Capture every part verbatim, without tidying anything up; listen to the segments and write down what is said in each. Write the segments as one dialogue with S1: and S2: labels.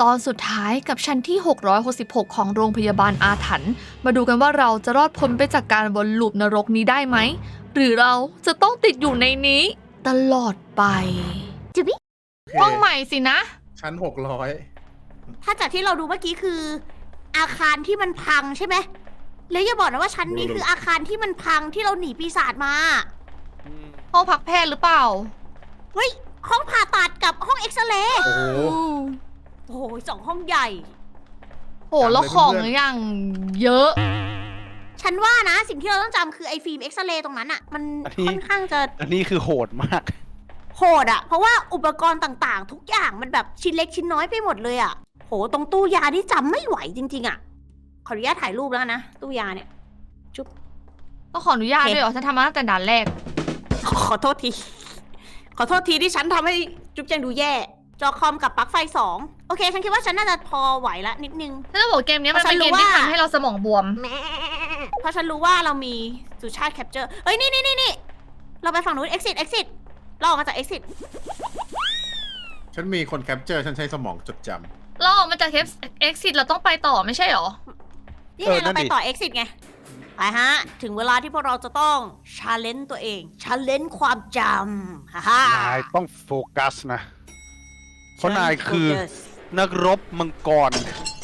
S1: ตอนสุดท้ายกับชั้นที่หกร้อยหกสิบหกของโรงพยาบาลอาถรรพ์มาดูกันว่าเราจะรอดพ้นไปจากการวนลูปนรกนี้ได้ไหมหรือเราจะต้องติดอยู่ในนี้ตลอดไปจิบิห้องใหม่สินะ
S2: ชั้นหกร้อย
S3: ถ้าจากที่เราดูเมื่อกี้คือ อาคารที่มันพังใช่ไหมแล้วอย่าบอกนะว่าชั้นนี้คืออาคารที่มันพังที่เราหนีปีศาจมา
S1: ห้องพักแพทย์หรือเปล่า
S3: เฮ้ยห้องผ่าตัดกับห้องเอ็กซเรย์
S2: โอ้โห
S3: โอ้โหสองห้องใหญ่
S1: โหแล้วของอย่างเยอะ
S3: ฉันว่านะสิ่งที่เราต้องจำคือไอ้ฟิล์มเอ็กซเรย์ตรงนั้นอะมันค่อนข้างจะ
S4: อันนี้คือโหดมาก
S3: โหดอะเพราะว่าอุปกรณ์ต่างๆ ทุกอย่างมันแบบชิ้นเล็กชิ้นน้อยไปหมดเลยอะโหตรงตู้ยานี่จำไม่ไหวจริงๆอะขออนุญาตถ่ายรูปแล้วนะตู้ยาเนี่ยจุ๊บ
S1: ก็ขออนุญาตด้วยเหรอฉันทำมาตั้งแต่ด่านแรก
S3: ขอโทษที ขอโทษทีที่ฉันทำให้จุ๊บแจงดูแย่ จอคอมกับปลั๊กไฟสองโอเค ฉันคิดว่าฉันน่าจะพอไหวละนิดนึง
S1: ฉันจะบอกเกมนี้มันเป็นเกมที่ทำให้เราสมองบวม
S3: เพราะฉันรู้ว่าเรามีสุชาติแคปเจอร์เอ้ยนี่นี่นี่นี่เราไปฝั่งนู้น exit exit เราออกมาจาก exit
S2: ฉันมีคนแคปเจอร์ฉันใช้สมองจดจ
S1: เราออกมาจาก exit เราต้องไปต่อไม่ใช่เหรอ
S3: นี่
S4: เอ
S3: ไง
S4: อนั่
S3: เรา
S4: น
S3: ไป
S4: ดิ
S3: ต่อ exit ไง ไปฮะ ถึงเวลาที่พวกเราจะต้อง challenge ตัวเอง challenge ความจำฮ่าฮ่าน
S4: ายต้องโฟกัสนะ เพราะนายคือ
S3: Focus
S4: นักรบมังกร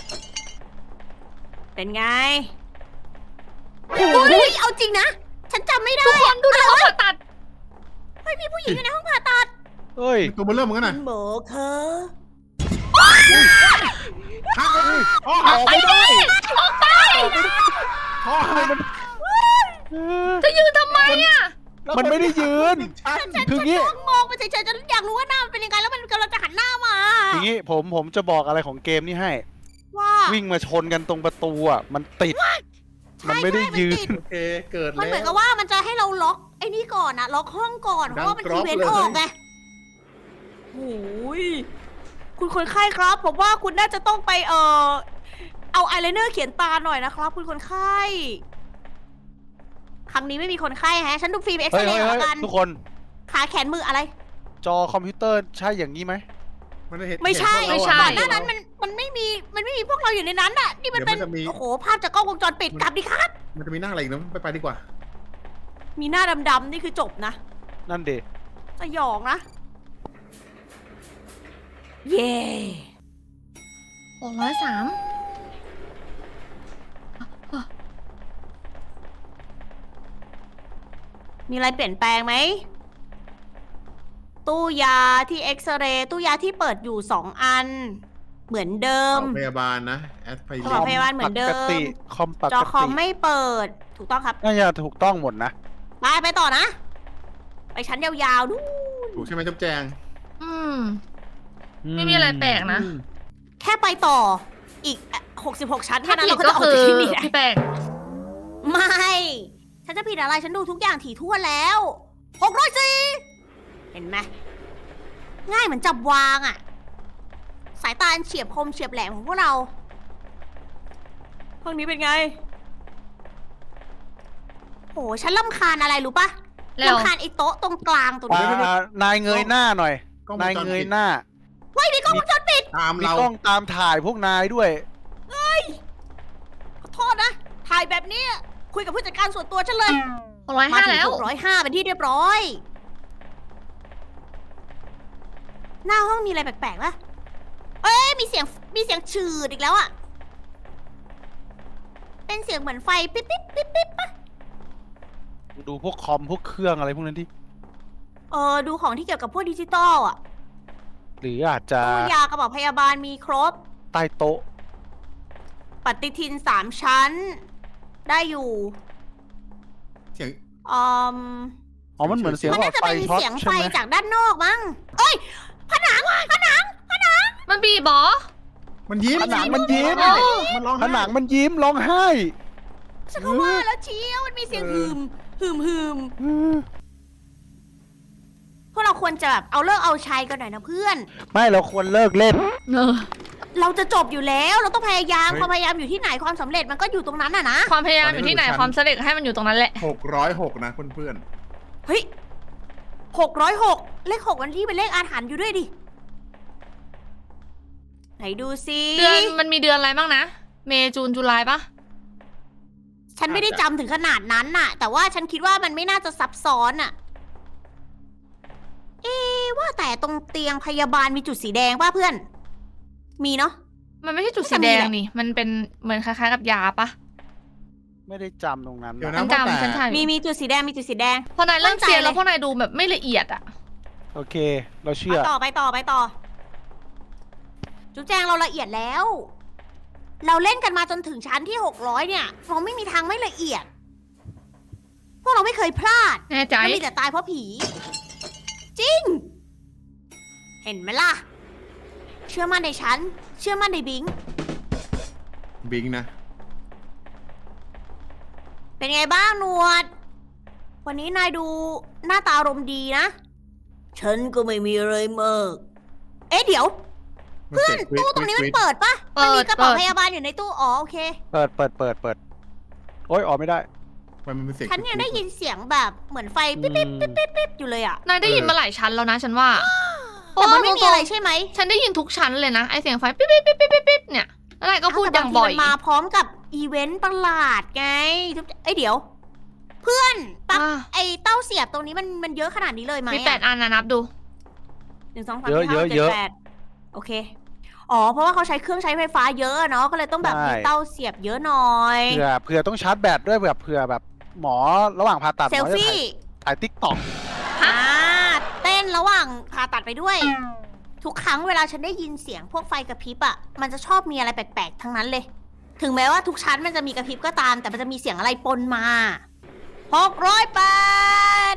S3: เป็นไงโอ้ยเอาจริงนะ ฉันจำไม่ได้
S1: ทุกคนดูในห้องผ่าตัด
S3: เฮ้ยมีผู้หญิงอยู่ในห้องผ่าตัด
S4: เฮ้ย
S2: ำตัวเบลเริ่มเหมือนกันนะ
S3: หมอคะ
S2: ฮักเลยอ๋อ
S4: ออกไม่ได้
S1: ออกไป
S2: พ่อมัน
S1: จะยืนทำไมอ่ะ
S4: มันไม่ได้ยืน
S2: ฉัน
S4: คืองี้
S3: ฉันมองไปเฉยๆฉันอยากรู้ว่าหน้ามันเป็นยังไงแล้วมันกำลังจะหันหน้ามา
S4: อย่างงี้ผมผมจะบอกอะไรของเกมนี้ให้
S3: ว่า
S4: วิ่งมาชนกันตรงประตูอ่ะ มันติด มันไม่ได้ยืน
S2: โอเคเกิด
S3: มัน
S2: แล้
S3: เหมือน
S2: ว
S3: กับว่ามันจะให้เราล็อกไอ้นี่ก่อนนะล็อกห้องก่อนเพ
S2: ดัง
S3: ราะว่ามัน
S2: กร
S3: อี
S2: อบ
S3: เวนต์
S2: เลย
S3: ออกไงโอ้ยคุณคนไข้ครับผมว่าคุณน่าจะต้องไปเอ่อเอาอายไลเนอร์เขียนตาหน่อยนะครับคุณคนไข้ครั้งนี้ไม่มีคนไข้ฮะฉันดูฟิล์มเอ็กซ
S4: เฮ้ย
S3: เร
S4: เฮ้ย
S3: ย์
S4: เฮ้
S3: แล้
S4: ยว
S3: กัน
S4: ทุกคน
S3: ขาแขนมืออะไร
S4: จอคอมพิวเตอร์ใช่อย่างนี้ไหม
S2: มันเห็น
S3: ไม่ใช่
S2: เห็นพวกเรา
S1: ไม่ใช่
S3: ก่อน
S2: อะ
S3: หน้านั้นมันมันไม่มีมันไม่มีพวกเราอยู่ในนั้นน่ะนี่มันเป็น
S2: เดี๋ยวมันจะมี
S3: โอ้โหภาพจากกล้องวงจรปิดกลับดิครับ
S2: มันจะมีหน้าอะไรอีกนะไปไปดีกว่า
S3: มีหน้าดำๆนี่คือจบนะ
S4: นั่นเด
S3: สยองนะ เย่
S1: หกร้อยสาม
S3: มีอะไรเปลี่ยนแปลงไหม ตู้ยาที่เอ็กซเรย์ตู้ยาที่เปิดอยู่สองอัน เหมือนเดิม
S2: เอาพยาบาลนะแอสไพ
S3: ข
S2: ริ
S3: อ
S2: น
S3: พยาบาลเหมือนเดิม
S4: ปกติคอมปก
S3: จอคอม
S4: ติ
S3: ไม่เปิด ถูกต้องครับ
S4: น่าจะถูกต้องหมดนะ
S3: ไปไปต่อนะ ไปชั้นยาวๆนู่น
S2: ถูกใช่ไหมจุ๊บแจง
S1: อืม ไม่มีอะไรแปลกนะ
S2: อืม
S3: แค่ไปต่ออีกหกสิบหกชั้น
S1: ถ้า
S3: แค่นั้น
S1: ผิด
S3: เราก็
S1: ก็
S3: จะออก
S1: คื
S3: จาก
S1: อ
S3: ที่นี่ได้
S1: พี่แป้ง
S3: ไม่ ฉันจะผิดอะไร ฉันดูทุกอย่างถี่ถ้วนแล้วหกร้อยสี่เห็นไหม ง่ายเหมือนจับวางอะสายตาอันเฉียบคมเฉียบแหลมของพวกเราห้องนี้เป็นไง โห ฉันลำคาญอะไรรู้ปะ
S1: แล้ว
S3: ลำคาญไอ้โต๊ะตรงกลางตรงนี้
S4: อ่านายเงยหน้าหน่อย
S2: กล้องวง
S4: นาย
S2: จร
S4: เงย
S2: ปิด
S4: หน้า
S3: เฮ้ยมีกล้องวงจรปิด
S2: ตาม
S4: มี
S2: เรา
S4: กล้องตามถ่ายพวกนายด้วย
S3: ขอโทษนะ ถ่ายแบบนี้ คุยกับผู้จัดการส่วนตัวฉันเลย
S1: หกร้อย
S3: มา
S1: ห้า
S3: ถึง
S1: แล้ว
S3: หกร้อยห้าเป็นที่เรียบร้อย หน้าห้องมีอะไรแปลกๆปะเอ้ย มีเสียง มีเสียงฉืดอีกแล้วอะเป็นเสียงเหมือนไฟปิ๊บปิ๊บปิ๊บปิ๊บปะ
S4: ดูพวกคอมพวกเครื่องอะไรพวกนั้นที่
S3: เออ ดูของที่เกี่ยวกับพวกดิจิตอลอะ
S4: หรืออาจจะ
S3: ตู้ยากระบอกพยาบาลมีครบ
S4: ใต้โต๊ะ
S3: ปฏิทินสามชั้น ได้อยู่
S2: เสียง
S3: อืม
S4: อ๋อ มันเหมือนเสียง
S3: มัน
S4: หลอ
S3: น่า
S4: ด
S3: จะ
S4: ไฟ
S3: เป็น
S4: ช็อต
S3: เสียง
S4: ใช่
S3: ไฟ
S4: ไหม
S3: จากด้านนอกมั้งเอ้ย ผนังผนังผนัง
S1: มันบีบเหรอ
S2: มันยิ้ม
S4: ผนังมันยิ้ม
S1: โอ้
S2: มันร้อง
S4: ผ
S2: ไห้
S4: นังมันยิ้มร้องไห้
S3: ฉันก็ว่าแล้วเชียวมันมีเสียง
S2: เอ
S3: หื
S2: อ
S3: มหืมหืม
S4: อืม
S3: พวกเราควรจะแบบเอาเลิกเอาชัยกันหน่อยนะเพื่อน
S4: ไม่เราควรเลิกเล่น
S1: เออ
S3: เราจะจบอยู่แล้ว เราต้องพยายามความพยายามอยู่ที่ไหนความสำเร็จมันก็อยู่ตรงนั้นน่ะนะ
S1: ความพยายามอยู่ที่ไหนความสำเร็จให้มันอยู่ตรงนั้นแหละ
S2: หกร้อยหกนะเพื่อน
S3: เฮ้ยหกร้อยหกเลขหกมันที่เป็นเลขอาถรรพ์อยู่ด้วยดิไหนดูซิ
S1: เดือนมันมีเดือนอะไรบ้างนะ เมย์จูนจุลายปะ
S3: ฉันไม่ได้จำถึงขนาดนั้นน่ะ แต่ว่าฉันคิดว่ามันไม่น่าจะซับซ้อนน่ะ เอ๊ะว่าแต่ตรงเตียงพยาบาลมีจุดสีแดงป่ะเพื่อน มีเนาะ
S1: มันไม่ใช่จุดสีแดงนี่ มันเป็นเหมือนคล้ายๆกับยาปะ
S4: ไม่ได้จำตรงนั้น
S2: เดี๋ยว
S4: นะ
S2: นะ
S1: ฉัน
S2: ว่าแต่
S1: จำฉันถ่าย
S3: มีมีจุดสีแดงมีจุดสีแดง
S1: พอนายเริ่มเซียน
S3: มั่นใจเลย
S1: แล้วพวกนายดูแบบไม่ละเอียดอะ
S4: โอเค เราเชื่อ
S3: ไปต่อไปต่อไปต่อ จุ๊บแจงเราละเอียดแล้ว เราเล่นกันมาจนถึงชั้นที่หกร้อยเนี่ย เราไม่มีทางไม่ละเอียด พวกเราไม่เคยพลาด
S1: แน่ใจ
S3: มันมีแต่ตายเพราะผี จริง เห็นไหมล่ะ เชื่อมั่นในฉัน เชื่อมั่นในบิง
S2: บิงนะ
S3: เป็นไงบ้างหนวด วันนี้นายดูหน้าตาอารมณ์ดีนะ ฉันก็ไม่มีอะไรมาก เอ๊ะเดี๋ยว เพื่อนตู้ตรงนี้มันเปิดปะมันมีกระเป๋าพยาบาลอยู่ในตู้ อ๋อโอเค
S4: เปิดเปิดเปิดเปิดโอ๊ยออกไม่ได้
S2: มันเป็นเสียง
S3: ฉันยังได้ยินเสียงแบบเหมือนไฟปิ๊บปิ๊บปิ๊บปิ๊บปิ๊บอยู่เลยอ่ะ
S1: นายได้ยินมาหลายชั้นแล้วนะฉันว่า
S3: แต่มันไม่มีอะไรใช่ไหม
S1: ฉันได้ยินทุกชั้นเลยนะ ไอเสียงไฟปิ๊บปิ๊บปิ๊บปิ๊บปิ๊บเนี่ยแล้วนายก็พูดอย่างบ่อย
S3: แต่บางทีมันมาพร้อมกับอีเวนต์ประหลาดไงเอ้ยเดี๋ยว เพื่อนปลั๊ก
S1: อ่ะ
S3: ไอเต้าเสียบตรงนี้มันมันเยอะขนาดนี้เลยไหม
S1: มีแปดอันนะนับดู
S3: หนึ่งสองสาม
S4: เยอะ
S3: สี่ห้าหก
S4: เย
S3: เจ็
S4: อะ
S3: ดแปดโอเค อ๋อ เพราะว่าเขาใช้เครื่องใช้ไฟฟ้าเยอะอะเนาะ ก็เลยต้องแบบ
S4: ใช่
S3: มีเต้าเสียบเยอะหน่อย
S4: เผื่อเผื่อต้องชาร์จแบตด้วยแบบเผื่อแบบหมอระหว่างผ่าตัดห
S3: เซ
S4: ม
S3: ล
S4: อจะ
S3: ฟี่
S4: ถ่ายถ่ายติ๊กต็อก
S3: อ่าเต้นระหว่างผ่าตัดไปด้วย ทุกครั้งเวลาฉันได้ยินเสียงพวกไฟกระพริบอะมันจะชอบมีอะไรแปลกๆทั้งนั้นเลย ถึงแม้ว่าทุกชั้นมันจะมีกระพริบก็ตาม แต่มันจะมีเสียงอะไรปนมาหกร้อยแปด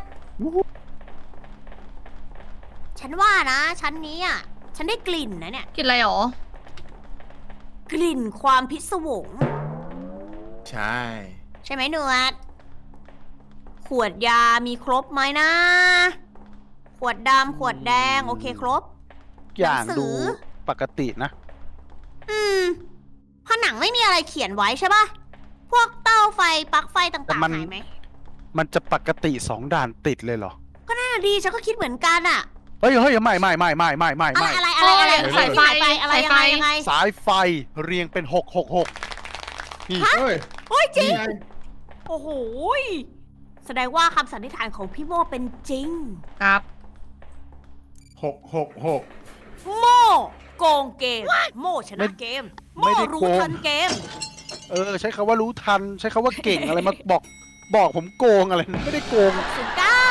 S3: ฉันว่านะ ชั้นนี้อะฉันได้กลิ่นนะเนี่ย
S1: กินอะไรหรอ
S3: กลิ่นความพิศวง
S2: ใช่
S3: ใช่ไหมเนือดขวดยามีครบไหมนะ ขวดดำขวดแดง โอเคครบ
S4: อย่าง
S3: หนังสือ
S4: ดูปกตินะ
S3: อืมผนังไม่มีอะไรเขียนไว้ใช่ปะพวกเต้าไฟปลั๊กไฟ
S4: แต่
S3: ต่าง
S4: มัน
S3: ๆหายไหม
S4: มันจะปกติสองด่านติดเลยเหรอ
S3: ก็น่าดีฉันก็คิดเหมือนกันอะ
S4: เฮ้ยเฮ้ยไม่ไม่ไม่ไม่ไม่ไม่
S3: อะไร
S4: ไม่
S3: อะไรอะไรอะไร
S1: โอ้ยสายไฟ
S3: ที่หายไปอะไรยังไง
S1: สายไฟ
S3: ยังไง
S4: สายไฟเรียงเป็นหกหกหกนี่
S3: ฮะ
S2: เฮ้ย
S3: โอ้ยจริง
S2: นี่ไง
S3: โอ้โหยแสดงว่าคำสันนิษฐานของพี่โมเป็นจริง
S1: ครับ
S2: หกหกหก
S3: โมโกงเกม โมชนะเกม โมรู้ทันเกม
S4: เออใช้คำว่ารู้ทัน ใช้คำว่าเก่งอะไรมาบอกบอกผมโกงอะไรไม่ได้โกง
S3: สิบเก้า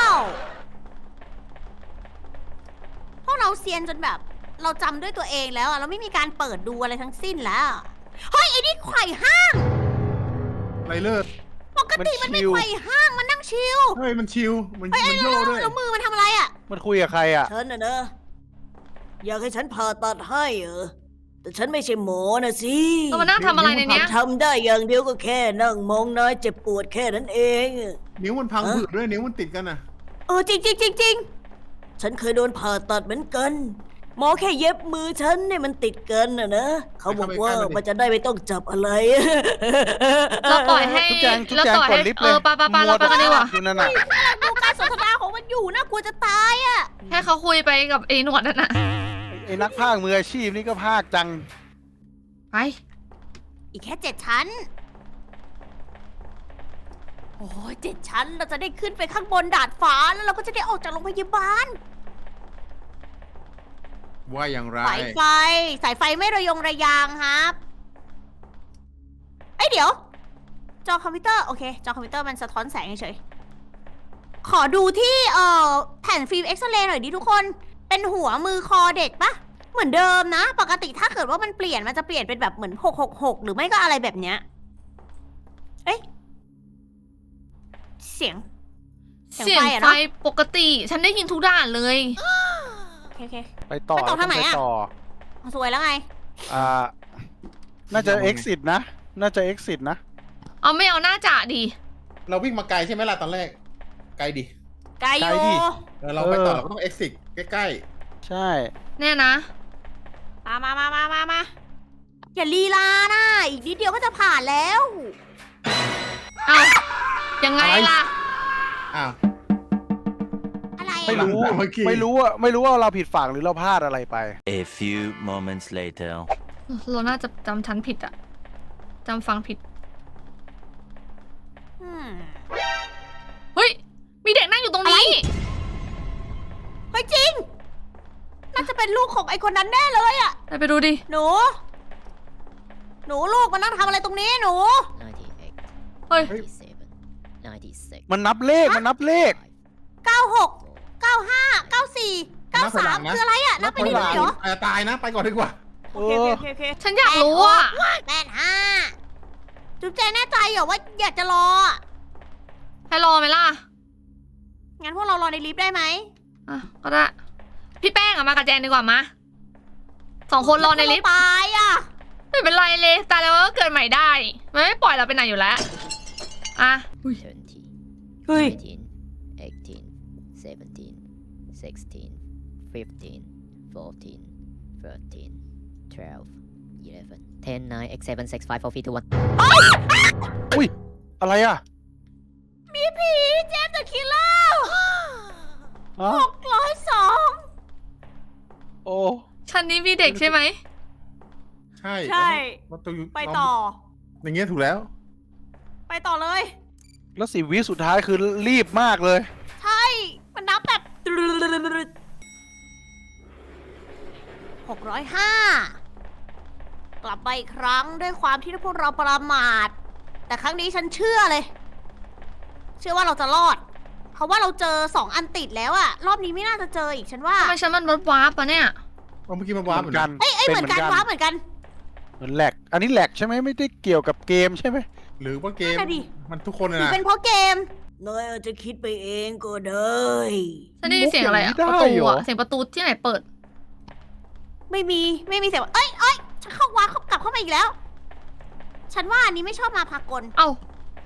S3: พวกเราเซียนจนแบบ เราจำด้วยตัวเองแล้วอะเราไม่มีการเปิดดูอะไรทั้งสิ้นแล้ว เฮ้ยไอ้นี่ไขว่ห้าง
S2: ไรเลิศ
S3: ปกติมันไม่
S4: มันชิล
S3: ไขว่ห้างมันนั่งชิล
S2: เฮ้ยมันชิวมัน
S3: เฮ้ย
S2: มัน
S3: แล้
S2: โยว ด้วย
S3: แล้วมือมันทำอะไรอะ
S4: มันคุยกับใครอ่ะ
S3: ฉันนะเนอะอยากให้ฉันผ่าตัดให้เออแต่ฉันไม่ใช่หมอนะสิ
S1: ตัวมันนั่งทำอะไรในเนี้ย
S3: ทำได้อย่างเดียวก็แค่นั่งมองนายเจ็บปวดแค่นั้นเอง
S2: นิ้วมันพัง
S3: ฮะ
S2: ผืดด้วยนิ้วมันติดกันอ่ะ
S3: เออจริงจริงจริงจริงฉันเคยโดนผ่าตัดเหมือนกัน หมอแค่เย็บมือฉันเนี่ยมันติดกันนะนะเขาบอกว่ามันจะได้ไม่ต้องจับอะไร
S1: เราปล่อยให้
S4: ทุกแจงทุก
S1: เรา
S4: แจง
S1: ปล่อย
S4: กด
S1: ให้
S4: ลิฟต์
S1: เอ
S4: เลย
S1: อปะปะปะเราไปกันดีกว่า
S4: อยู่นั่นน่ะ
S3: ดูการสนทนาของมันอยู่นะกลัวจะตายอ่ะ
S1: ให้เขาคุยไปกับไอ้หนวดนั่นน่ะ
S4: ไอ้นักพากย์มืออาชีพนี่ก็พากย์จัง
S1: ไป
S3: อีกแค่เจ็ดชั้น โอ้ยเจ็ดชั้นเราจะได้ขึ้นไปข้างบนดาดฟ้าแล้วเราก็จะได้ออกจากโรงพยาบาล
S2: ว่าอย่างไร
S3: สายไฟ สายไฟไม่ระยงระยางครับเอ้ยเดี๋ยว จอคอมพิวเตอร์โอเค จอคอมพิวเตอร์มันสะท้อนแสงเฉยๆขอดูที่เอ่อแผ่นฟิล์มเอ็กซเรย์หน่อยดิทุกคน เป็นหัวมือคอเด็กปะเหมือนเดิมนะ ปกติถ้าเกิดว่ามันเปลี่ยนมันจะเปลี่ยนเป็นแบบเหมือนหกหกหกหรือไม่ก็อะไรแบบเนี้ยเอ๊ะเสียง เสี
S1: เสี
S3: ย
S1: ย
S3: ง
S1: ง
S3: ไฟอะ
S1: ไฟ
S3: เนอะ
S1: ปกติ ฉันได้ยินทุกด่านเลย
S3: โอเคโอเค
S4: ไปต่อ
S3: ไปต่อทางไหนอะ
S4: ปต่อ
S3: เอาสวยแล้วไง
S4: อ่า น่าจะ exit นะ น่าจะ exit นะ
S1: เอาไม่เอาหน้าจ่าดิ
S2: เราวิ่งมาไกลใช่ไหมล่ะตอนแรก ไกลดิ
S3: ไกลอยู่
S4: ไกลดิ
S2: เออเราไปต่อ
S4: เออ
S2: เราก็ต้อง exit ใกล้
S4: ใช่
S1: แน่นะ
S3: มามามามามามาอย่าลีลานะอีกนิดเดียวก็จะผ่านแล้ว
S1: เอายังไงล่ะ
S2: ๆอ้าว
S3: อะไร
S4: ไม่
S3: อะ
S4: รู้
S2: เมื่อกี้
S4: ไม่รู้ว่าไม่รู้ว่าเราผิดฝั่งหรือเราพลาดอะไรไป
S5: A few moments later.
S1: เราน่าจะจำชั้นผิดอะจำฟังผิด
S3: อืม
S1: เฮ้ย มีเด็กนั่งอยู่ตรงนี้
S3: เฮ้ยจริง น่าจะเป็นลูกของไอ้คนนั้นแน่เลยอะ
S1: ไปไปดูดิ
S3: หนู หนูลูกมานั่งทำอะไรตรงนี้หนู
S5: ninety-eight,
S1: เฮ้ย
S5: ninety-seven, ninety-six,
S4: มันนับเลขมันนับเลข
S3: เก้าหก เก้าห้า เก้าสี่ เก้าสามคืออะไรอะนับไป
S2: คน
S3: เรื่
S2: หลั
S3: อย
S2: ง
S3: ๆเหรอ
S2: อาจจะตายนะ ไปก่อนดีกว่า
S4: เอ
S3: โอเค
S4: อ
S3: โอเคโอเค
S1: ฉันอยากรู้อะ
S3: แปดห้าจุ๊บแจงแน่ใจเหรอว่าอยากจะรออะ
S1: ให้รอไหมล่ะ
S3: งั้นพวกเรารอในลิฟต์ได้ไหม
S1: อ่ะ ก็ได้ พี่แป้งอะมากับแจนดีกว่ามาสองคนรอในลิฟต์
S3: ตายอะ
S1: ไม่เป็นไรเลยตายแล้วก็เกิดใหม่ได้ มันไม่ปล่อยเราไปไหนอยู่แล้ว อ่ะ
S5: twenty,
S3: เฮ้ย
S5: nineteen, eighteen, seventeen, sixteen, fifteen, fourteen, thirteen, twelve, eleven, ten, nine, eight, seven, six, five, four, three, two, one.
S4: อุ้ย อะไรอ่ะ
S3: มีผีเจมส์เดอะคิลเลอร์
S4: ฮะ
S3: หกร้อยสอง
S4: โอ้
S1: ชั้นนี้มีเด็กใช่ไหม
S2: ใช่
S3: ใช่
S2: มันตัวอยู่
S3: ไปต่อ
S2: อย่างเงี้ยถูกแล้ว
S3: ไปต่อเลย
S4: แล้วสิบวิสุดท้ายคือรีบมากเลย
S3: ใช่ มันนับแบบหกร้อยห้ากลับมาอีกครั้งด้วยความที่พวกเราประมาท แต่ครั้งนี้ฉันเชื่อเลย เชื่อว่าเราจะรอด เพราะว่าเราเจอสองอันติดแล้วอะรอบนี้ไม่น่าจะเจออีกฉันว่า
S1: ทำไมชั้นมันวับวาร์ปอะเนี่ย
S2: เอาเมื่อกี้มัน
S4: เห
S2: วาร์ป
S4: มือนกัน
S3: เอ้ยเอ้ยเหมือนกันว้าเหมือนกัน
S4: เหมือนแหลก อันนี้แหลกใช่ไหมไม่ได้เกี่ยวกับเกมใช่ไหม
S2: หรือว่าเกม
S3: นั่นน่ะดิ
S2: มันทุกคน
S3: หรือ
S2: นะ
S3: เป็นเพราะเกมเนยอาจจะคิดไปเองก็ได้
S1: ฉันได้ยินเสียงอะไรอะประตูอะเสียงประตูที่ไหนเปิด
S3: ไม่มีไม่มีเสียงว่าเอ้ยเอ้ยฉันเข้าว้าเข้ากลับเข้ามาอีกแล้ว ฉันว่าอันนี้ไม่ชอบมาพากล
S1: เอ้า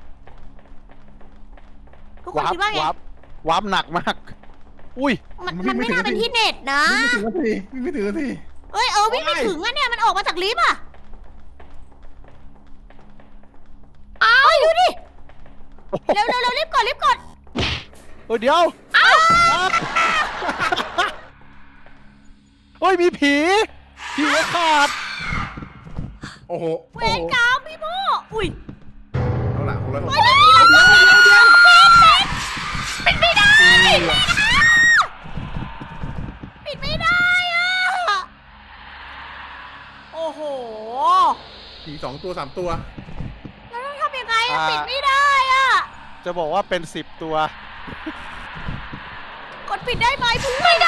S3: ทุกคน
S4: วาร์ป
S3: คิดว่าไง
S4: วาร์ปวาร์ปหนักมาก อุ้ย
S3: มันมันไม่น่าเป็นที่เน็ตนะ
S2: ไม่ถึงนาทีไม่ถึงนาที
S3: เอ้ยเออวิ่งไม่ถึงอะเนี่ยมันออกมาจากลิฟต์อะ
S1: เอ้า
S3: เฮ้ยดูดิเร็วเร็วเร็วรีบกดรีบกด
S4: เออเดี๋ยวเฮ้ยมีผี ผีหัวขาด
S2: โอ้โห
S3: เว
S2: โอ้
S3: ร
S2: โห
S3: กรรมพี่โมอุ้ย
S2: เอาละคนละ
S3: เฮ้ยไม่มีอะไรเดี๋ยวเดี๋ยวปิดไม่ได้ปิดไม่ได้อะโอ้โห
S2: ผีสองตัวสามตัว
S3: แล้วต้องทำยังไงอะ
S4: อ่า
S3: ปิดไม่ได้อะ
S4: จะบอกว่าเป็นสิบตัว
S3: กดปิดได้ไหมพึ่งไม่ได้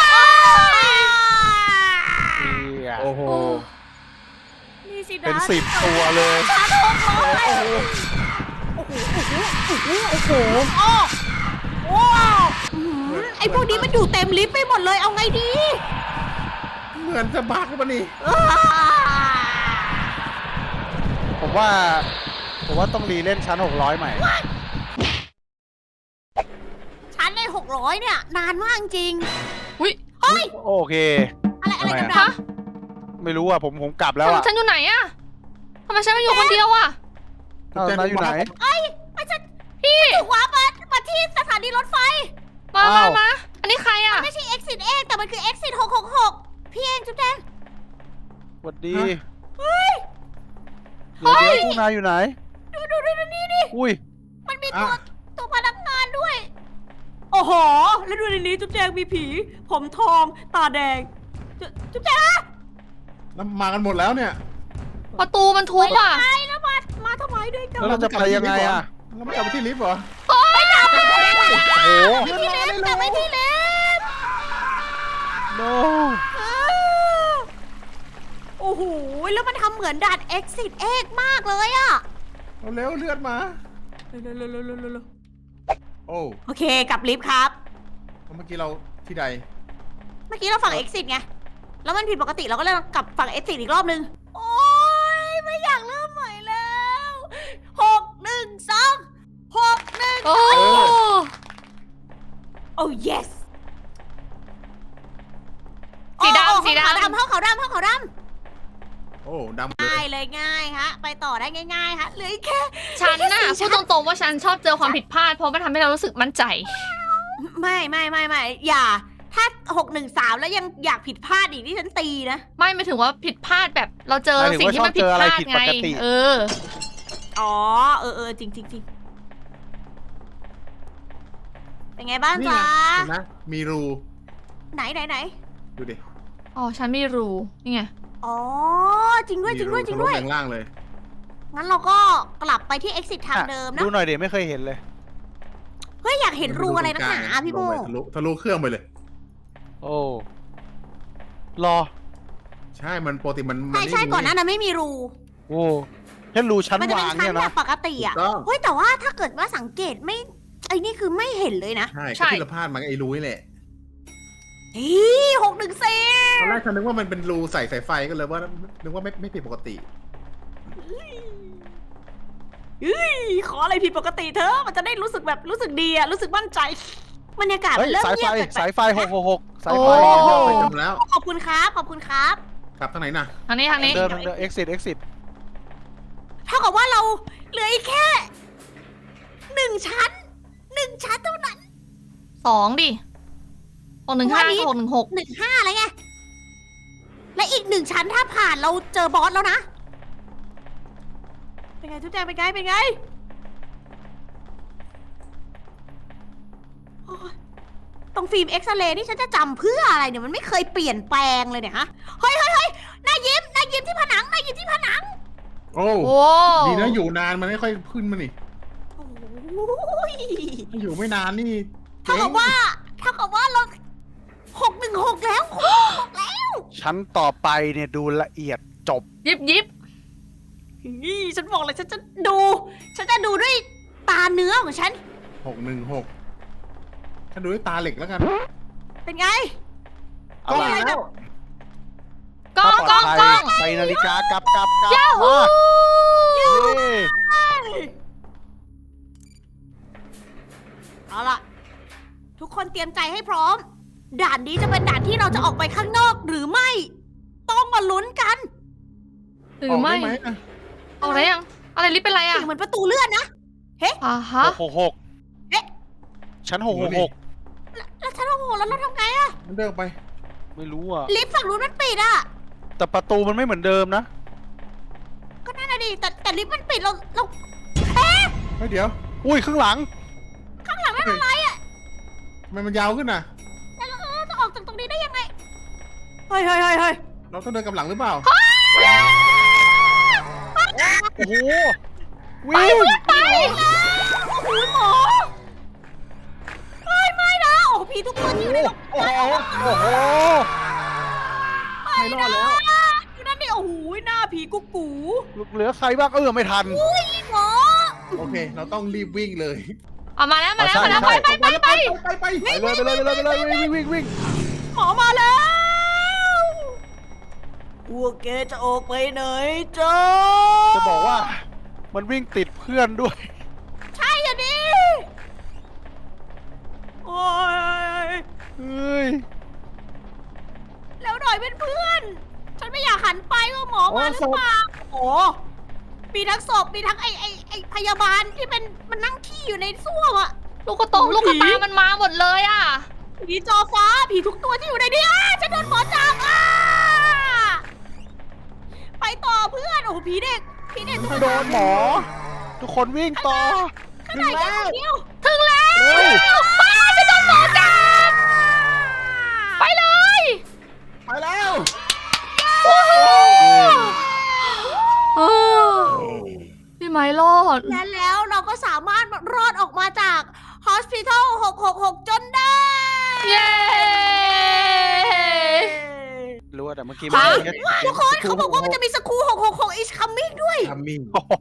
S4: เนี่ย
S2: โอ้โห
S3: นี่สินะ
S4: เป็นสิบตัวเลย
S3: ชาร์จหกร้อยโอ้โหโอ้โหโอ้โหโอ้โหโอ้โหอื้อหือไอพวกนี้มันอยู่เต็มลิฟต์ไปหมดเลยเอาไงดี
S2: เหมือนจะบักปะนี่
S4: ผมว่า ผมว่าต้องรีเล่นชั้นหกร้อยใหม่
S3: ชั้นในหกร้อยเนี่ยนานมากจริง
S1: อุ้ย
S3: เฮ้ย
S4: โอเค
S3: อะไรอะไร
S4: ทำไม
S3: ดำ
S4: อะ
S3: ๆ
S4: ไม่รู้อ่ะ ผมผมกลับแล้วอ่ะ
S1: ฉันอยู่ไหนอะทำไมฉันมาอยู่คนเดียวอะ
S4: เอ้านายอยู่ไหน
S3: เอ้ยไม่ใช่พี่ถูกวาร์ปมามาที่สถานีรถไฟ
S1: มามา
S4: อ้าว
S1: มา อันนี้ใครอะ
S3: ไม่ใช่ exit เองแต่มันคือ exit หกหกหกพี่เองจุ๊บแดง
S4: สวัสดี
S3: เฮ้ย
S4: เดี๋ยวเดี๋ยวพวกนายอยู่ไหน
S3: ดูดูดูดูนี่ดิ
S4: อุ้ย
S3: มันมี
S2: อ่ะ
S3: ตัวตัวพนักงานด้วย โอ้โห แล้วดูในนี้จุ๊บแจงมีผี ผมทอง ตาแดง จุ๊จุ๊บแจง
S2: แล้วมากันหมดแล้วเนี่ย
S1: ประตูมันทุบอะ
S3: ไงแล้วมา มาทำไมด้วยกัน
S4: แล้วเราจะไปยังไงอ่ะ
S2: เราไม่กลับไปที่ลิฟต์เหรอ
S3: ไปดับไปดับ
S4: โอ้โห
S3: ที่ลิฟต์กลับไปที่ลิฟต์
S4: no
S3: อ้าวโอ้โห แล้วมันทำเหมือนด่าน exit เอกมากเลยอะ
S2: เอาเร็วเลือดมา
S3: เร็วเร็วเร็วเร็วเร็วเร็ว
S2: โอ้
S3: โอเคกลับลิฟต์ครับ
S2: เมื่อกี้เราที่ใด
S3: เมื่อกี้เราฝั่ง exit ไง แล้วมันผิดปกติเราก็เลยกลับฝั่ง exit อีกรอบนึง โอ๊ย ไม่อยากเริ่มใหม่แล้วหกหนึ่งสองหกหนึ่ง
S1: โอ้
S3: โอ้ yes
S1: สี
S3: โอ้
S1: ดำสี
S3: ห้องขาว
S1: ดำ
S3: ดำห้องขาวดำห้องขาวด
S2: โอ้ดำ
S3: ำ
S2: เล
S3: ง่าย
S2: ย
S3: เลยง่ายฮะ ไปต่อได้ง่ายๆฮะเหลืออีกแค่
S1: ฉันน่ะ
S3: แค่สี่
S1: พูดตรงๆว่าฉันชอบเจอความผิดพลาดเพราะมันทำให้เรารู้สึกมั่นใจ
S3: ไม่ไม่ไม่ไม่อย่าถ้าหกหนึ่งสามแล้วยังอยากผิดพลาดอีกที่ฉันตีนะ
S1: ไม่ไม่ถึงว่าผิดพลาดแบบเราเจอ
S4: หมายถึง
S1: สิ่ง
S4: ว่า
S1: ที่มัน
S4: ชอบ
S1: ผิ
S4: เจ
S1: ด
S4: อ
S1: พ
S4: อะไร
S1: ลาด
S4: ผิด
S1: ไง
S4: ปกติ
S1: เออ
S3: อ๋อ เออเออจริงจริงจริงเป็นไงบ้าง
S2: นี่
S3: จ๊ะ
S2: ไงเห็นไหมมีรู
S3: ไหนไหนไหน
S2: ดูดิ
S1: อ๋อ ฉันไม่รู้ นี่ไง
S3: อ๋อ จริงด้วยจริงด้วยจริง
S2: มี
S3: ด้วย
S2: ทะลุแรงล่างเลย
S3: งั้นเราก็กลับไปที่ exit ทางเดิมนะ
S4: ดูหน่อยเดี๋ยวไม่เคยเห็นเลย
S3: เฮ้ย อยากเห็นรูอะไรนักหนาพี่โม
S2: ลงไปทะลุทะลุเครื่องไปเลย
S4: โอ้รอ
S2: ใช่มันปกติมัน
S3: ใช่ใช่
S2: มั
S3: ก่อนหน้านั้นไม่มีรู
S4: โอ้แค่รูชั้น
S3: มันจะเป็
S4: วาน ง
S3: ชั้น
S4: เนี่ย
S3: แบ
S4: นะ
S3: บปกติอ่ะ
S2: ถูกต้อง
S3: เฮ้ย แต่ว่าถ้าเกิดว่าสังเกตไม่ไอ้นี่คือไม่เห็นเลยนะ
S2: ใช่
S1: ใช่
S2: ก็ที่เราพลาดมันไอ้รูนี่แหละ
S3: อีหกหนึ่งสี่
S2: ตอนแรกฉันนึกว่ามันเป็นรูใส่สายไฟก็เลยว่านึกว่าไม่ไม่ผิดปกติ
S3: ขออะไรผิดปกติเธอะมันจะได้รู้สึกแบบรู้สึกดีอะรู้สึกมั่นใจบรรยากาศ
S4: เฮ้ย
S3: เริ่ม
S4: สาย
S3: เงี
S4: ไฟ
S3: ยบแปลกๆ
S4: สายไฟหกหกหกสาย
S1: โอ้
S4: ไฟ
S2: ไปจำแล้ว
S3: ขอบคุณครับขอบคุณครับ
S2: กลับทางไหนน่ะ
S1: ทางนี้ทางนี้
S4: เดินเดิน exit exit
S3: เท่ากับว่าเราเหลืออีกแค่หนึ่งชั้นหนึ่งชั้นเท่านั้น
S1: สองดิหกหนึ่งห้า
S3: วันนี้
S1: หกหนึ่งหก
S3: หนึ่งห้าอะไรไงและอีกหนึ่งชั้นถ้าผ่านเราเจอบอสแล้วนะเป็นไงทุกแจงเป็นไงเป็นไงโอ๊ยตรงฟิล์มเอ็กซเรย์นี่ฉันจะจำเพื่ออะไรเนี่ยมันไม่เคยเปลี่ยนแปลงเลยเนี่ยฮะเฮ้ยเฮ้ยเฮ้ยหน้ายิ้มหน้ายิ้มที่ผนังหน้ายิ้มที่ผนัง
S2: โอ้
S1: โอ้
S2: ดีนะอยู่นานมันไม่ค่อยขึ้นมานี่
S3: โอ้ย
S2: ถ้าอยู่ไม่นานนี่
S3: เท่ากับว่าเท่ากับว่าเราหกหนึ่งหกแล้วหกหกแล้ว
S4: ชั้นต่อไปเนี่ยดูละเอียดจบ
S1: ยิบยิบ
S3: นี่ฉันบอกเลยฉันจะดู ฉันจะดูด้วยตาเนื้อของฉัน
S2: หกหนึ่งหกฉันดูด้วยตาเหล็กแล้วกัน
S3: เป็นไง
S4: เอาล่ะ
S3: อะไรแบบ
S1: กล้องกล้องกล้อง
S4: ใส่นาฬิกากลับกลับกลับ
S1: ยาฮู
S4: มาเย้
S3: เอาล่ะ ทุกคนเตรียมใจให้พร้อม ด่านนี้จะเป็นด่านที่เราจะออกไปข้างนอกหรือไม่ ต้องมาลุ้นกัน
S1: หรือไม่
S2: กด้หอะ
S1: เอาอะไรยัง อะไรลิฟต์เป็นไร
S3: เสี
S1: อ่ะ
S3: ยงเหมือนประตูเลื่อนนะ
S1: อ่าฮะ
S4: หกหกหก
S3: เอ๊ะ
S4: ชั้นหกหกหก
S3: แล้วฉันโอ้โหแล้วเราทำไงอะ
S2: มันเดินไป
S4: ไม่รู้อ่ะ
S3: ลิฟต์ฝั่งนู้นมันปิดอะ
S4: แต่ประตูมันไม่เหมือนเดิมนะ
S3: ก็นั่นน่ะดิแต่แต่ลิฟต์มันปิดเราเรา
S2: เฮ้ยเดี๋ยว
S4: อุ้ยข้างหลัง
S3: ข้างหลังนั่นอะไรอะ
S2: ทำไมมันยาวขึ้นน่ะ
S3: แล้วเราเราจะออกจากตรงนี้ได้ยังไง เฮ้ยเฮ้ยเฮ้ยเฮ้ย
S2: เราต้องเดินกลับหลังหรือเปล่า
S4: โอ้โห วิ่ง
S3: ไปแล้วโอ้โหหมอเฮ้ยไม่นะโอ้โหผีทุกตัวที่อยู่ใน
S4: โอ้โห โอ้โห
S2: ไม่รอดแล้ว
S3: อยู่นั่นนี่โอ้โหหน้าผีกุ๊กกู
S4: เหลือใครบ้างเออไม่ทัน
S3: อุ้ยหมอ
S2: โอเค เราต้องรีบวิ่งเลย
S1: เอามาแล้วมาแล้ว
S4: อ๋อ
S1: มาแล้ว
S4: ใช่
S1: ไปไปไปไป
S2: ไปไป
S4: ไปเลยไปเลยไปเลยไปเลยวิ่งวิ่งวิ่ง
S3: หมอมาแล้วพวกแกจะออกไปไหนจ๊ะ
S4: จะบอกว่า มันวิ่งติดเพื่อนด้วย
S3: ใช่อ่ะดิโอ้ย
S4: เฮ้ย
S3: แล้วหน่อยเป็นเพื่อน ฉันไม่อยากหันไปว่าหมอมาหรือเปล่าโอ้มีทั้งศพมีทั้งไอ้ไอ้ไอ้พยาบาลที่เป็นมันนั่งขี้อยู่ในส้วมอะ
S1: ลูกกระตงลูกกระตามันมาหมดเลยอ่ะ
S3: ผีจอฟ้าผีทุกตัวที่อยู่ในนี้อ้าฉันโดนหมอจับอ้าไปต่อเพื่อนโอ้โหผีเด็กผีเด็กทุกคน
S4: โดนหมอ ทุกคนวิ่งต่อ
S3: ข้างในแค่คนเดียว
S1: ถึงแล้ว
S4: เฮ้ย
S1: ไปจะโดนหมอจับไปเลย
S2: ไปแล้ว
S1: เออพี่ไม้รอด
S3: และแล้วเราก็สามารถรอดออกมาจาก Hospital หกหกหกจนได้
S1: เย้
S4: รู้ว่าแต่เมื่อกี้
S1: ฮะ
S4: แค่
S3: ทุกคนเขาบอกว่ามันจะมีสกูหกหกหก is coming ด้วย
S2: ทัมมิ่ง
S4: โอ้โห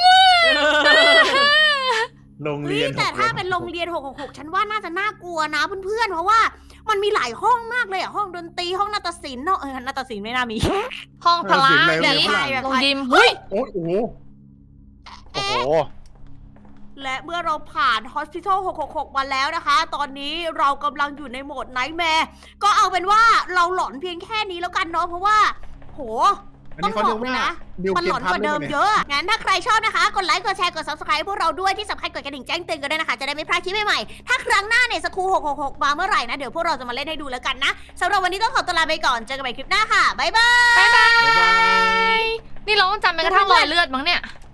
S2: โรง
S3: เฮ้
S2: เรีย
S3: ย
S2: น
S3: แต่ถ้าเป็นโรงเรียนหกหกหกฉันว่าน่าจะน่ากลัวนะเพื่อนๆเพราะว่ามันมีหลายห้องมากเลยอะห้องดนตรีห้องนาฏศิลป์เนาะเออนาฏศิลป์ไม่น่ามี
S1: ห้องพละ
S2: แบบ
S1: นี้
S2: ฝรั่ง
S1: ลงยิมเฮ้ย
S2: โอ้โห
S4: โอ้โห
S3: และเมื่อเราผ่าน Hospital หกหกหกมาแล้วนะคะ ตอนนี้เรากำลังอยู่ในโหมด Nightmare ก็เอาเป็นว่าเราหลอนเพียงแค่นี้แล้วกันเนาะเพราะว่า โห
S2: อัน
S3: ต้อ
S2: นี้
S3: ง
S2: เขา
S3: บ
S2: เรี
S3: อย ก
S2: ก
S3: เลย
S2: ว่า
S3: นะ
S2: ดิว
S3: มัน
S2: เก
S3: หล
S2: ม
S3: อน
S2: พั
S3: ก
S2: ด
S3: ว่า
S2: เล
S3: เดิ
S2: ย
S3: ม
S2: เนี่ย
S3: เยอะ งั้นถ้าใครชอบนะคะ กดไลค์ กดแชร์ กด ซับสไครบ์ พวกเราด้วย ที่สำคัญกดกระดิ่งแจ้งเตือนกันด้วยนะคะ จะได้ไม่พลาดคลิปใหม่ๆ ถ้าครั้งหน้าเนี่ยสกูหกหกหกมาเมื่อไหร่นะ เดี๋ยวพวกเราจะมาเล่นให้ดูแล้วกันนะสำหรับวันนี้ต้องขอตัวลาไปก่อน เจอกันใหม่คลิปหน้าค่ะ บ๊ายบาย
S1: บ๊ายบาย นี่เราต้องจำไปกระทั่งรอยเลือดมั้งเนี่ย